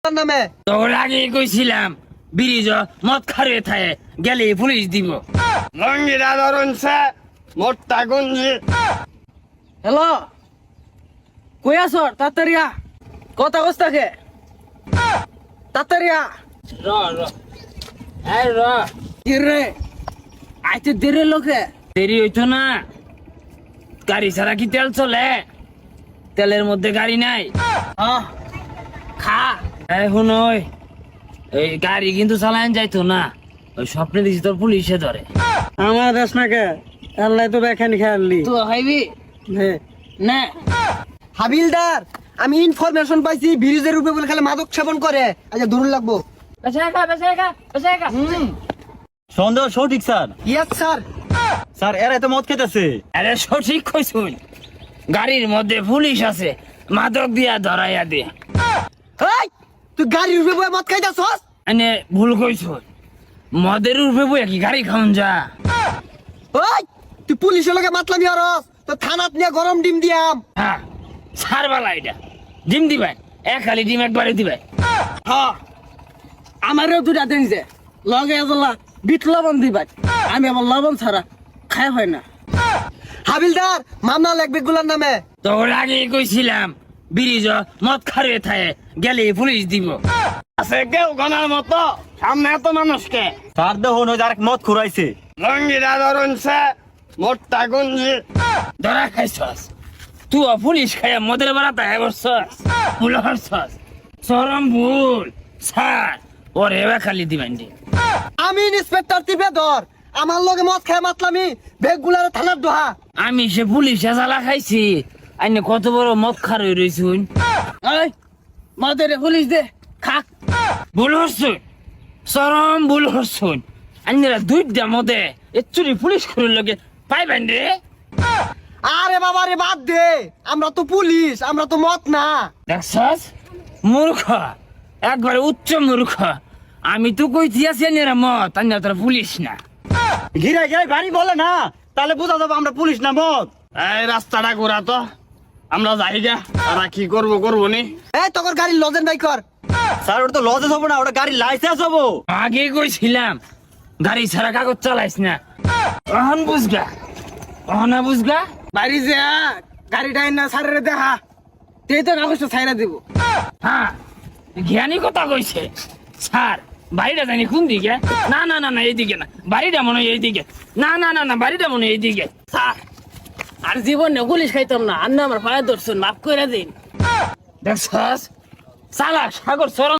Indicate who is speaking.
Speaker 1: নামে
Speaker 2: তোর আগে কইছিলাম ব্রিজ মদ খারে থাকে গেলে পুলিশ দিব লঙ্গিরা ধরনছে মোটটা গঞ্জি।
Speaker 3: হ্যালো কই আছ তাড়াতাড়িয়া কথা কস্তাকে তাড়াতাড়িয়া
Speaker 2: র র এই র
Speaker 3: কি রে আইতে দেরে লোকে
Speaker 2: দেরি হইতো না, গাড়ি ছাড়া কি তেল চলে? তেলের মধ্যে গাড়ি নাই।
Speaker 3: হ্যাঁ
Speaker 2: খা এখন ওই এই গাড়ি কিন্তু চালান যাইতো না, ওই স্বপ্নে দিছি তোর পুলিশে ধরে।
Speaker 3: আমার দেশ না কে আল্লাহ তো বেখানি খেয়ালি
Speaker 2: তুই খাইবি না?
Speaker 1: হাবিলদার আমি ইনফরমেশন পাইছি ব্রিজের উপরে বলে খালি মাদক সেবন করে। আচ্ছা ধরুন লাগবো।
Speaker 4: সন্দেহ সঠিক স্যার।
Speaker 1: Yes sir.
Speaker 4: স্যার এরা তো মদ খেতেছে।
Speaker 2: আরে সঠিক কইছুন, গাড়ির মধ্যে পুলিশ আছে, মাদক দিয়া ধরাইয়া দে।
Speaker 1: এই তুই গাড়ির উপরে বয়ে মদ খাইতাছস?
Speaker 2: এনে ভুল কইছুন, মদের উপরে বইয়া কি গাড়ি খাওন যা?
Speaker 1: ওই তুই পুলিশের লগে মাতলামি হরস তো থানাত নিয়ে গরম ডিম দিয়াম।
Speaker 2: হ্যাঁ সারবালা এটা ডিম দিবেন, এক খালি ডিম একবারে দিবেন।
Speaker 3: হ্যাঁ আমারও দুটা দিন যে লগে এজলা বিট লবণ দিবা, আমি আমার লবণ ছাড়া খাই হয় না।
Speaker 1: হাবিলদার মামলা লাগবে গুলার নামে।
Speaker 2: তোর আগে কইছিলাম ব্রিজ মদ খারে থাকে গেলে পুলিশ দিব। আছে কেউ গনার মতো সামনে এত মানুষকে?
Speaker 4: স্যার দেখুন ওই আর মদ খুরাইছে।
Speaker 2: লঙ্গিরা ধরনছে মোটটা গঞ্জি। ধরা খাইছস তুই, পুলিশ খাইয়া মদের বেড়াতে বসছস, ভুল হরছস, চরম ভুল। স্যার ওরে এবার খালি দিবেন দি।
Speaker 1: আমি ইন্সপেক্টর টিপে ধর, আমার লগে মদ খায় মাতলামি বেগ গুলার থানার দোহা।
Speaker 2: আমি সে পুলিশে জ্বালা খাইছি, আইনে কত বড় মদ খার হয়ে রয়েছুন।
Speaker 3: এই মাদের পুলিশ দে খাক।
Speaker 2: ভুল হরছুন, চরম ভুল হরছুন। আইনেরা দুইটা মদে এচুরি পুলিশ করার লগে পাইবেন রে।
Speaker 1: আরে বাবা রে বাদ দে, আমরা তো পুলিশ, আমরা তো মদ না।
Speaker 2: দেখছস মূর্খ, একবারে উচ্চ মূর্খ। আমি তো কইছি আছি এরা মদ, আইনা তোরা পুলিশ না।
Speaker 4: ঘিরে ঘিরে গাড়ি বলে না, তাহলে বোঝা যাবে আমরা পুলিশ না মদ।
Speaker 2: এই রাস্তাটা ঘোরা তো, আমরা যাই গা। তারা কি করবো নি?
Speaker 1: এই তোর গাড়ির লজেন বাই কর।
Speaker 4: স্যার ওটা তো লজেস হবো না, ওটা গাড়ির লাইসেন্স হবো।
Speaker 2: আগে কইছিলাম গাড়ি ছাড়া কাগজ চালাইস না। অহন বুঝগা, অহনা বুঝগা।
Speaker 3: বাড়ি যে গাড়িটা না সারে দেখা তুই তো কাগজটা ছাইরা দিব।
Speaker 2: হ্যাঁ জ্ঞানী কথা কইছে। স্যার বাড়িটা জানি কোন দিকে? না না না না এইদিকে না, বাড়িটা মনে হয় এইদিকে। না না না না বাড়িটা মনে হয় এইদিকে।
Speaker 3: স্যার আর জীবনে পুলিশ খাইতাম না, আর না আমার পায়ে ধরছেন মাফ করে দিন।
Speaker 2: দেখছস চালা সাগর চরম